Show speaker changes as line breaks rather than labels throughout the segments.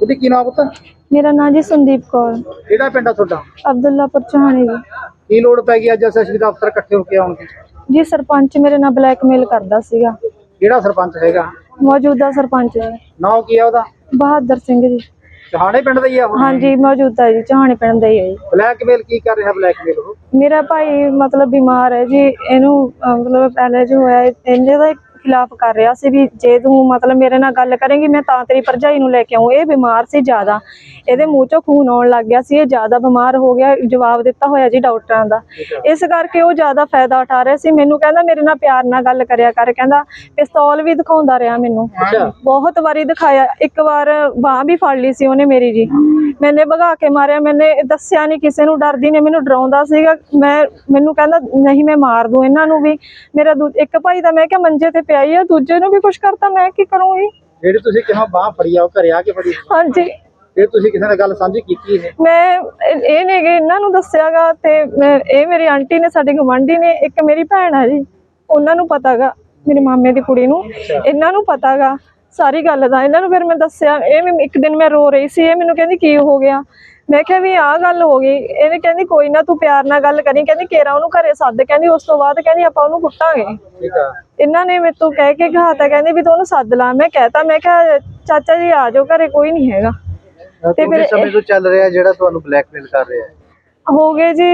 ਬੇਟੀ ਕੀ ਨਾਮ ਪੁੱਤ?
मेरा नाम जी संदीप कौर,
ਕਿਹੜਾ ਪਿੰਡ ਆ ਤੁਹਾਡਾ?
अब्दुल्लापुर चौहानी जी।
ਕੀ ਲੋੜ ਪੈ ਗਈ ਅੱਜ ਐਸਐਸਪੀ ਦਾ ਅਫਸਰ ਇਕੱਠੇ ਹੋ ਕੇ ਆਉਣ ਦੀ?
जी सरपंच मेरे नाल ब्लैकमेल करदा सीगा।
ਕਿਹੜਾ ਸਰਪੰਚ ਹੈਗਾ?
मौजूदा सरपंच जी
ਨਾਮ ਕੀ ਆ ਉਹਦਾ?
बहादुर सिंह जी।
ਚਹਾਣੇ ਪਿੰਡ ਦਾ ਹੀ ਆ ਉਹ?
हाँ जी मौजूदा जी चौहानी पिंड दा ही है जी।
ਬਲੈਕਮੇਲ ਕੀ ਕਰ ਰਿਹਾ ਬਲੈਕਮੇਲ ਉਹ?
मेरा भाई मतलब बीमार है जी, इनू मतलब पहले जो होया इहदे दा खिलाफ कर रहा सी भी जे तू मतलब मेरे नाल गल करेंगी मैं तां तेरी भरजाई नूं लेके आऊं। ये बीमार सी ज़्यादा, ਇਹਦੇ ਮੂੰਹ ਚੋਂ ਖੂਨ ਆਉਣ ਲੱਗ ਗਿਆ ਸੀ, ਇਹ ਜ਼ਿਆਦਾ ਬਿਮਾਰ ਹੋ ਗਿਆ। ਜਵਾਬ ਦਿੱਤਾ ਹੋਇਆ ਜੀ ਡਾਕਟਰਾਂ ਦਾ, ਇਸ ਕਰਕੇ ਉਹ ਜ਼ਿਆਦਾ ਫਾਇਦਾ ਉਠਾ ਰਿਹਾ ਸੀ। ਮੈਨੂੰ ਕਹਿੰਦਾ ਮੇਰੇ ਨਾਲ ਪਿਆਰ ਨਾਲ ਗੱਲ ਕਰਿਆ ਕਰ, ਕਹਿੰਦਾ ਪਿਸਤੌਲ ਵੀ ਦਿਖਾਉਂਦਾ ਰਿਹਾ ਮੈਨੂੰ, ਬਹੁਤ ਵਾਰੀ ਦਿਖਾਇਆ। ਇੱਕ ਵਾਰ ਬਾਂਹ ਵੀ ਫੜ ਲਈ ਸੀ ਉਹਨੇ ਮੇਰੀ ਜੀ, ਮੈਨੇ ਭਗਾ ਕੇ ਮਾਰਿਆ। ਮੈਨੇ ਦੱਸਿਆ ਨਹੀਂ ਕਿਸੇ ਨੂੰ, ਡਰਦੀ ਨੇ, ਮੈਨੂੰ ਡਰਾਉਂਦਾ ਸੀਗਾ। ਮੈਨੂੰ ਕਹਿੰਦਾ ਨਹੀਂ ਮੈਂ ਮਾਰ ਦੂੰ ਇਹਨਾਂ ਨੂੰ ਵੀ। ਮੇਰਾ ਇੱਕ ਭਾਈ ਦਾ ਮੈਂ ਕਿਹਾ ਮੰਜੇ ਤੇ ਪਿਆ ਹੀ ਆ, ਦੂਜੇ ਨੂੰ ਵੀ ਕੁਛ ਕਰਤਾ, ਮੈਂ ਕੀ ਕਰੂੰਗੀ।
ਜਿਹੜੀ ਤੁਸੀਂ ਕਿਹਾ ਬਾਂਹ ਫੜੀ ਆ ਉਹ ਘਰੇ ਆ ਕੇ ਫੜੀ?
ਹਾਂਜੀ।
ਫਿਰ ਤੁਸੀਂ ਕਿਸੇ ਨਾਲ ਗੱਲ ਸਾਂਝੀ ਕੀਤੀ ਹੈ?
ਮੈਂ ਇਹ ਨੇ ਇਹਨਾਂ ਨੂੰ ਦੱਸਿਆਗਾ, ਤੇ ਇਹ ਮੇਰੀ ਆਂਟੀ ਨੇ, ਸਾਡੇ ਗਵਾਂਢੀ ਨੇ, ਇੱਕ ਮੇਰੀ ਭੈਣ ਆ ਜੀ, ਉਹਨਾਂ ਨੂੰ ਪਤਾਗਾ, ਮੇਰੇ ਮਾਮੇ ਦੀ ਕੁੜੀ ਨੂੰ, ਇਹਨਾਂ ਨੂੰ ਪਤਾਗਾ ਸਾਰੀ ਗੱਲ ਦਾ। ਇਹਨਾਂ ਨੂੰ ਫਿਰ ਮੈਂ ਦੱਸਿਆ। ਇਹ ਇੱਕ ਦਿਨ ਮੈਂ ਰੋ ਰਹੀ ਸੀ, ਇਹ ਮੈਨੂੰ ਕਹਿੰਦੀ ਕੀ ਹੋ ਗਿਆ? ਮੈਂ ਕਿਹਾ ਵੀ ਆਹ ਗੱਲ ਹੋ ਗਈ। ਇਹਨੇ ਕਹਿੰਦੀ ਕੋਈ ਨਾ ਤੂੰ ਪਿਆਰ ਨਾਲ ਗੱਲ ਕਰੀ, ਕਹਿੰਦੀ ਕੇਰਾ ਉਹਨੂੰ ਘਰੇ ਸੱਦ, ਕਹਿੰਦੀ ਉਸ ਤੋਂ ਬਾਅਦ ਕਹਿੰਦੀ ਆਪਾਂ ਉਹਨੂੰ ਕੁੱਟਾਂਗੇ। ਇਹਨਾਂ ਨੇ ਮੇਰੇ ਤੋਂ ਕਹਿ ਕੇ ਘਾਤਾ, ਕਹਿੰਦੀ ਵੀ ਤੂੰ ਉਹਨੂੰ ਸੱਦ ਲਾ। ਮੈਂ ਕਹਿਤਾ, ਮੈਂ ਕਿਹਾ ਚਾਚਾ ਜੀ ਆ ਜਾਓ ਘਰੇ, ਕੋਈ ਨਹੀਂ ਹੈਗਾ।
ਤੇ ਫਿਰ ਸਮੇਂ ਤੋਂ ਚੱਲ ਰਿਹਾ ਜਿਹੜਾ ਤੁਹਾਨੂੰ ਬਲੈਕਮੇਲ ਕਰ ਰਿਹਾ ਹੈ?
ਹੋ ਗਏ ਜੀ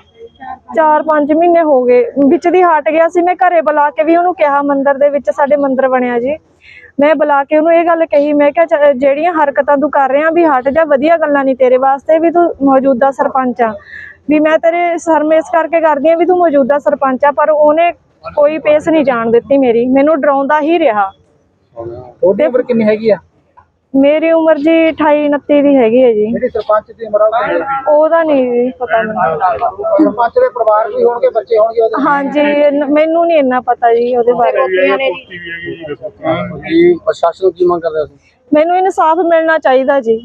4-5 ਮਹੀਨੇ ਹੋ ਗਏ। ਵਿੱਚ ਦੀ ਹਟ ਗਿਆ ਸੀ। ਮੈਂ ਘਰੇ ਬੁਲਾ ਕੇ ਵੀ ਉਹਨੂੰ ਕਿਹਾ, ਮੰਦਿਰ ਦੇ ਵਿੱਚ ਸਾਡੇ ਮੰਦਿਰ ਬਣਿਆ ਜੀ, ਮੈਂ ਬੁਲਾ ਕੇ ਉਹਨੂੰ ਇਹ ਗੱਲ ਕਹੀ, ਮੈਂ ਕਿਹਾ ਜਿਹੜੀਆਂ ਹਰਕਤਾਂ ਤੂੰ ਕਰ ਰਿਹਾ ਵੀ ਹਟ ਜਾ, ਵਧੀਆ ਗੱਲਾਂ ਨਹੀਂ ਤੇਰੇ ਵਾਸਤੇ, ਵੀ ਤੂੰ ਮੌਜੂਦਾ ਸਰਪੰਚ ਆ, ਵੀ ਮੈਂ ਤੇਰੇ ਸਰਮੇਸ ਕਰਕੇ ਕਰਦੀ ਆ ਵੀ ਤੂੰ ਮੌਜੂਦਾ ਸਰਪੰਚ ਆ। ਪਰ ਉਹਨੇ ਕੋਈ ਪੇਸ ਨਹੀਂ ਜਾਣ ਦਿੱਤੀ ਮੇਰੀ, ਮੈਨੂੰ ਡਰਾਉਂਦਾ ਹੀ ਰਿਹਾ।
ਤੁਹਾਡੀ ਉਮਰ ਕਿੰਨੀ ਹੈਗੀ ਆ?
ਮੇਰੀ ਉਮਰ ਜੀ 28-29 ਦੀ ਹੈਗੀ ਹੈ ਜੀ।
ਜਿਹੜੀ ਸਰਪੰਚ ਦੀ ਉਮਰ ਆ
ਉਹਦਾ ਨਹੀਂ ਪਤਾ ਮੈਨੂੰ।
ਸਰਪੰਚ ਦੇ ਪਰਿਵਾਰ ਵੀ ਹੋਣਗੇ, ਬੱਚੇ ਹੋਣਗੇ ਉਹਦੇ?
ਹਾਂਜੀ ਮੈਨੂੰ ਨਹੀਂ ਇੰਨਾ ਪਤਾ ਜੀ ਉਹਦੇ ਬਾਰੇ।
ਜੀ ਪ੍ਰਸ਼ਾਸਨ ਕੀ ਮੰਗ ਕਰ ਰਿਹਾ ਸੀ?
ਮੈਨੂੰ ਇਨਸਾਫ ਮਿਲਣਾ ਚਾਹੀਦਾ ਜੀ,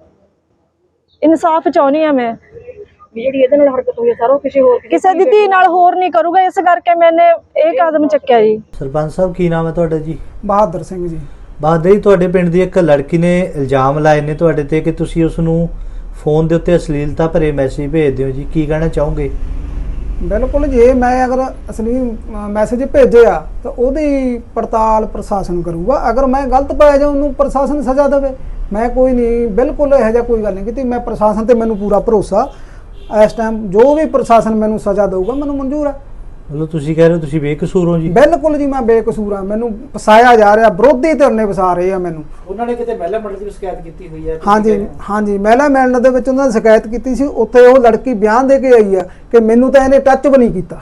ਇਨਸਾਫ ਚਾਹੁੰਦੀ ਆ ਮੈਂ। ਜਿਹੜੀ ਇਹਦੇ ਨਾਲ ਹਰਕਤ ਹੋਈ ਹੈ ਸਾਰਾ ਕਿਸੇ ਦੀ ਧੀ ਨਾਲ ਹੋਰ ਨਹੀਂ ਕਰੂਗਾ, ਇਸ ਕਰਕੇ ਮੈਨੇ ਇਹ ਕਦਮ ਚੱਕਿਆ ਜੀ।
ਸਰਪੰਚ ਸਾਹਿਬ ਕੀ ਨਾਮ ਹੈ ਤੁਹਾਡਾ ਜੀ?
ਬਹਾਦਰ ਸਿੰਘ ਜੀ।
ਬਹਾਦਰ ਜੀ, ਤੁਹਾਡੇ ਪਿੰਡ ਦੀ ਇੱਕ ਲੜਕੀ ਨੇ ਇਲਜ਼ਾਮ ਲਾਏ ਨੇ ਤੁਹਾਡੇ ਤੇ ਕਿ ਤੁਸੀਂ ਉਸ ਨੂੰ ਫੋਨ ਦੇ ਉੱਤੇ ਅਸ਼ਲੀਲਤਾ ਭਰੇ ਮੈਸੇਜ ਭੇਜਦੇ ਹੋ ਜੀ, ਕੀ ਕਹਿਣਾ ਚਾਹੋਗੇ?
ਬਿਲਕੁਲ ਜੀ, ਮੈਂ ਅਗਰ ਅਸਲੀ ਮੈਸੇਜ ਭੇਜਿਆ ਤਾਂ ਉਹਦੀ ਪੜਤਾਲ ਪ੍ਰਸ਼ਾਸਨ ਕਰੂਗਾ। ਅਗਰ ਮੈਂ ਗਲਤ ਪਾਇਆ ਜਾਂ ਉਹਨੂੰ ਪ੍ਰਸ਼ਾਸਨ ਸਜ਼ਾ ਦੇਵੇ, ਮੈਂ ਕੋਈ ਨਹੀਂ, ਬਿਲਕੁਲ ਇਹੋ ਜਿਹਾ ਕੋਈ ਗੱਲ ਨਹੀਂ ਕੀਤੀ। ਮੈਂ ਪ੍ਰਸ਼ਾਸਨ ਤੇ ਮੈਨੂੰ ਪੂਰਾ ਭਰੋਸਾ। ਇਸ ਟਾਈਮ ਜੋ ਵੀ ਪ੍ਰਸ਼ਾਸਨ ਮੈਨੂੰ ਸਜ਼ਾ ਦੇਊਗਾ ਮੈਨੂੰ ਮਨਜ਼ੂਰ ਹੈ।
ਮਤਲਬ ਤੁਸੀਂ ਕਹਿ ਰਹੇ ਹੋ ਤੁਸੀਂ ਬੇਕਸੂਰ ਹੋ ਜੀ?
ਬਿਲਕੁਲ ਜੀ, ਮੈਂ ਬੇਕਸੂਰ ਹਾਂ। ਮੈਨੂੰ ਫਸਾਇਆ ਜਾ ਰਿਹਾ, ਵਿਰੋਧੀ ਧਿਰ ਨੇ ਫਸਾ ਰਹੇ ਆ ਮੈਨੂੰ।
ਉਹਨਾਂ ਨੇ ਕਿਤੇ ਮਹਿਲਾ ਮੰਡਲ ਦੀ ਸ਼ਿਕਾਇਤ ਕੀਤੀ ਹੋਈ ਹੈ?
ਹਾਂਜੀ ਮਹਿਲਾ ਮੰਡਲ ਦੇ ਵਿੱਚ ਉਹਨਾਂ ਨੇ ਸ਼ਿਕਾਇਤ ਕੀਤੀ ਸੀ। ਉੱਥੇ ਉਹ ਲੜਕੀ ਬਿਆਨ ਦੇ ਕੇ ਆਈ ਆ ਕਿ ਮੈਨੂੰ ਤਾਂ ਇਹਨੇ ਟੱਚ ਵੀ ਨਹੀਂ ਕੀਤਾ।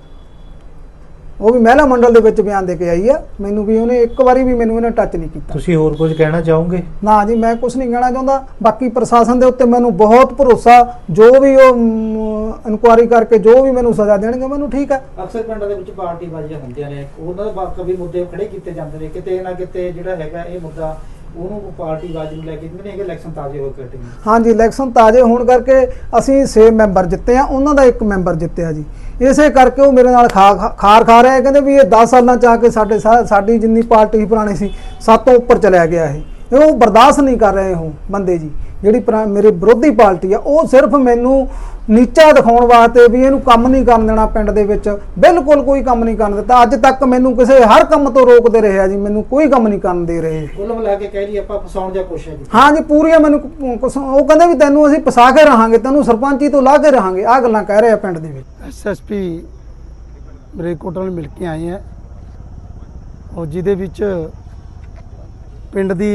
ਉਹ ਵੀ ਮਹਿਲਾ ਮੰਡਲ ਦੇ ਵਿੱਚ ਬਿਆਨ ਦੇ ਕੇ ਆਈ ਆ, ਮੈਨੂੰ ਵੀ ਉਹਨੇ ਇੱਕ ਵਾਰੀ ਵੀ ਮੈਨੂੰ ਇਹਨੇ ਟੱਚ ਨਹੀਂ ਕੀਤਾ।
ਤੁਸੀਂ ਹੋਰ ਕੁਝ ਕਹਿਣਾ ਚਾਹੋਗੇ?
ਨਾ ਜੀ, ਮੈਂ ਕੁਝ ਨਹੀਂ ਕਹਿਣਾ ਚਾਹੁੰਦਾ। ਬਾਕੀ ਪ੍ਰਸ਼ਾਸਨ ਦੇ ਉੱਤੇ ਮੈਨੂੰ ਬਹੁਤ ਭਰੋਸਾ, ਜੋ ਵੀ ਉਹ ਇਨਕੁਆਇਰੀ ਕਰਕੇ ਜੋ ਵੀ ਮੈਨੂੰ ਸਜ਼ਾ ਦੇਣਗੇ ਮੈਨੂੰ ਠੀਕ ਹੈ।
ਅਕਸਰ ਪਿੰਡਾਂ ਦੇ ਵਿੱਚ ਪਾਰਟੀ ਬਾਜ਼ੀਆਂ ਹੁੰਦੀਆਂ ਨੇ, ਉਹਨਾਂ ਦਾ ਕभी ਮੁੱਦੇ ਖੜੇ ਕੀਤੇ ਜਾਂਦੇ ਨੇ, ਕਿਤੇ ਨਾ ਕਿਤੇ ਜਿਹੜਾ ਹੈਗਾ ਇਹ ਮੁੱਦਾ ਉਹਨੂੰ ਪਾਰਟੀ ਬਾਜ਼ੀ ਨੂੰ ਲੈ ਕੇ ਕਹਿੰਦੇ ਨੇ ਕਿ ਇਲੈਕਸ਼ਨ ਤਾਜ਼ੇ ਹੋ ਕੇ ਹਟੇ। ਹਾਂਜੀ,
ਇਲੈਕਸ਼ਨ ਤਾਜ਼ੇ ਹੋਣ ਕਰਕੇ ਅਸੀਂ 6 ਮੈਂਬਰ ਜਿੱਤੇ ਆ, ਉਹਨਾਂ ਦਾ 1 ਮੈਂਬਰ ਜਿੱਤਿਆ ਜੀ। ਇਸੇ ਕਰਕੇ ਉਹ ਮੇਰੇ ਨਾਲ ਖਾਰ ਖਾ ਰਿਹਾ। ਕਹਿੰਦੇ ਵੀ ਇਹ 10 ਸਾਲਾਂ ਚ ਆ ਕੇ ਸਾਡੀ ਜਿੰਨੀ ਪਾਰਟੀ ਸੀ ਪੁਰਾਣੀ ਸੀ 7 ਤੋਂ ਉੱਪਰ ਚਲਿਆ ਗਿਆ ਇਹ। ਉਹ ਬਰਦਾਸ਼ਤ ਨਹੀਂ ਕਰ ਰਹੇ ਉਹ ਬੰਦੇ ਜੀ। ਜਿਹੜੀ ਮੇਰੇ ਵਿਰੋਧੀ ਪਾਰਟੀ ਆ ਉਹ ਸਿਰਫ ਮੈਨੂੰ ਨੀਚਾ ਦਿਖਾਉਣ ਵਾਸਤੇ ਵੀ ਇਹਨੂੰ ਕੰਮ ਨਹੀਂ ਕਰਨ ਦੇਣਾ ਪਿੰਡ ਦੇ ਵਿੱਚ, ਬਿਲਕੁਲ ਕੋਈ ਕੰਮ ਨਹੀਂ ਕਰਨ ਦਿੱਤਾ। ਅੱਜ ਤੱਕ ਮੈਨੂੰ ਕਿਸੇ ਹਰ ਕੰਮ ਤੋਂ ਰੋਕਦੇ ਰਹੇ ਆ ਜੀ, ਮੈਨੂੰ ਕੋਈ ਕੰਮ ਨਹੀਂ ਕਰਨ ਦੇ ਰਹੇ।
ਕੁੱਲ ਮਿਲਾ ਕੇ ਕਹਿ ਲਈ ਆਪਾਂ ਫਸਾਉਣ ਦੀ ਕੋਸ਼ਿਸ਼ ਕੀਤੀ।
ਹਾਂ ਜੀ, ਪੂਰੀਆਂ ਮੈਨੂੰ ਉਹ ਕਹਿੰਦੇ ਵੀ ਤੈਨੂੰ ਅਸੀਂ ਫਸਾ ਕੇ ਰਹਾਂਗੇ, ਤੈਨੂੰ ਸਰਪੰਚੀ ਤੋਂ ਲਾ ਕੇ ਰਹਾਂਗੇ, ਆਹ ਗੱਲਾਂ ਕਹਿ ਰਹੇ ਆ ਪਿੰਡ ਦੇ ਵਿੱਚ।
ਐਸਐਸਪੀ ਮਲੇਰਕੋਟਲਾ ਨੂੰ ਮਿਲ ਕੇ ਆਏ ਆ, ਔਰ ਜਿਹਦੇ ਵਿੱਚ ਪਿੰਡ ਦੀ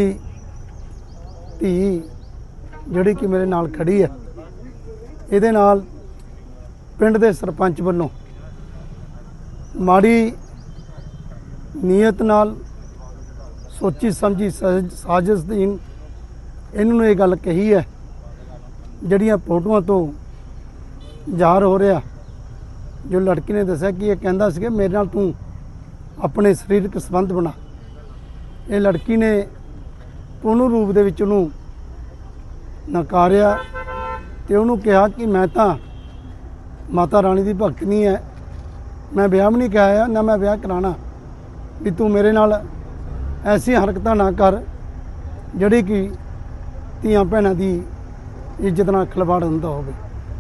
ਧੀ ਜਿਹੜੀ ਕਿ ਮੇਰੇ ਨਾਲ ਖੜੀ ਹੈ, ਇਹਦੇ ਨਾਲ ਪਿੰਡ ਦੇ ਸਰਪੰਚ ਵੱਲੋਂ ਮਾੜੀ ਨੀਅਤ ਨਾਲ ਸੋਚੀ ਸਮਝੀ ਸਾਜ਼ਿਸ਼ ਦੀ ਇਹਨਾਂ ਨੂੰ ਇਹ ਗੱਲ ਕਹੀ ਹੈ, ਜਿਹੜੀਆਂ ਫੋਟੋਆਂ ਤੋਂ ਜ਼ਾਹਰ ਹੋ ਰਿਹਾ। ਜੋ ਲੜਕੀ ਨੇ ਦੱਸਿਆ ਕਿ ਇਹ ਕਹਿੰਦਾ ਸੀ ਕਿ ਮੇਰੇ ਨਾਲ ਤੂੰ ਆਪਣੇ ਸਰੀਰਕ ਸੰਬੰਧ ਬਣਾ। ਇਹ ਲੜਕੀ ਨੇ ਪੂਰਨ ਰੂਪ ਦੇ ਵਿੱਚ ਉਹਨੂੰ ਨਕਾਰਿਆ ਤੇ ਉਹਨੂੰ ਕਿਹਾ ਕਿ ਮੈਂ ਤਾਂ ਮਾਤਾ ਰਾਣੀ ਦੀ ਭਗਤ ਨਹੀਂ ਹੈ, ਮੈਂ ਵਿਆਹ ਵੀ ਨਹੀਂ ਕਰਾਇਆ, ਨਾ ਮੈਂ ਵਿਆਹ ਕਰਾਉਣਾ, ਵੀ ਤੂੰ ਮੇਰੇ ਨਾਲ ਐਸੀ ਹਰਕਤਾਂ ਨਾ ਕਰ ਜਿਹੜੀ ਕਿ ਧੀਆਂ ਭੈਣਾਂ ਦੀ ਇੱਜ਼ਤ ਨਾਲ ਖਿਲਵਾੜ ਹੁੰਦਾ ਹੋਵੇ।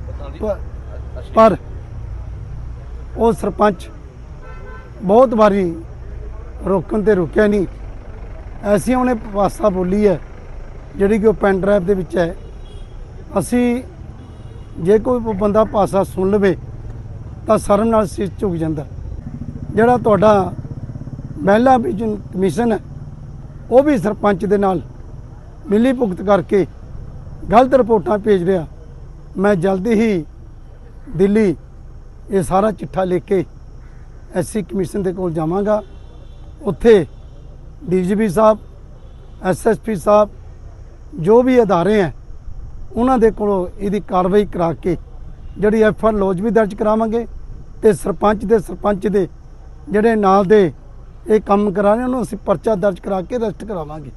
ਪਰ ਉਹ ਸਰਪੰਚ ਬਹੁਤ ਵਾਰੀ ਰੋਕਣ ਤੇ ਰੁਕਿਆ ਨਹੀਂ। ਐਸੀ ਉਹਨੇ ਭਾਸ਼ਾ ਬੋਲੀ ਹੈ ਜਿਹੜੀ ਕਿ ਉਹ ਪੈਨ ਡਰਾਈਵ ਦੇ ਵਿੱਚ ਹੈ। ਅਸੀਂ ਜੇ ਕੋਈ ਬੰਦਾ ਭਾਸ਼ਾ ਸੁਣ ਲਵੇ ਤਾਂ ਸ਼ਰਮ ਨਾਲ ਸਿਰ ਝੁਕ ਜਾਂਦਾ। ਜਿਹੜਾ ਤੁਹਾਡਾ ਮਹਿਲਾ ਵਿਜਨ ਕਮਿਸ਼ਨ ਹੈ ਉਹ ਵੀ ਸਰਪੰਚ ਦੇ ਨਾਲ ਮਿਲੀ ਭੁਗਤ ਕਰਕੇ ਗਲਤ ਰਿਪੋਰਟਾਂ ਭੇਜ ਰਿਹਾ। ਮੈਂ ਜਲਦੀ ਹੀ ਦਿੱਲੀ ਇਹ ਸਾਰਾ ਚਿੱਠਾ ਲਿਖ ਕੇ ਐਸਸੀ ਕਮਿਸ਼ਨ ਦੇ ਕੋਲ ਜਾਵਾਂਗਾ। ਉੱਥੇ ਡੀਜੀਪੀ ਸਾਹਿਬ, ਐਸਐਸਪੀ ਸਾਹਿਬ, ਜੋ ਵੀ ਅਦਾਰੇ ਹੈ ਉਹਨਾਂ ਦੇ ਕੋਲੋਂ ਇਹਦੀ ਕਾਰਵਾਈ ਕਰਾ ਕੇ ਜਿਹੜੀ ਐਫਆਰ ਲੌਜ ਵੀ ਦਰਜ ਕਰਾਵਾਂਗੇ ਤੇ ਸਰਪੰਚ ਦੇ ਜਿਹੜੇ ਨਾਲ ਦੇ ਇਹ ਕੰਮ ਕਰਾ ਰਹੇ ਉਹਨੂੰ ਅਸੀਂ ਪਰਚਾ ਦਰਜ ਕਰਾ ਕੇ ਅਰੈਸਟ ਕਰਾਵਾਂਗੇ।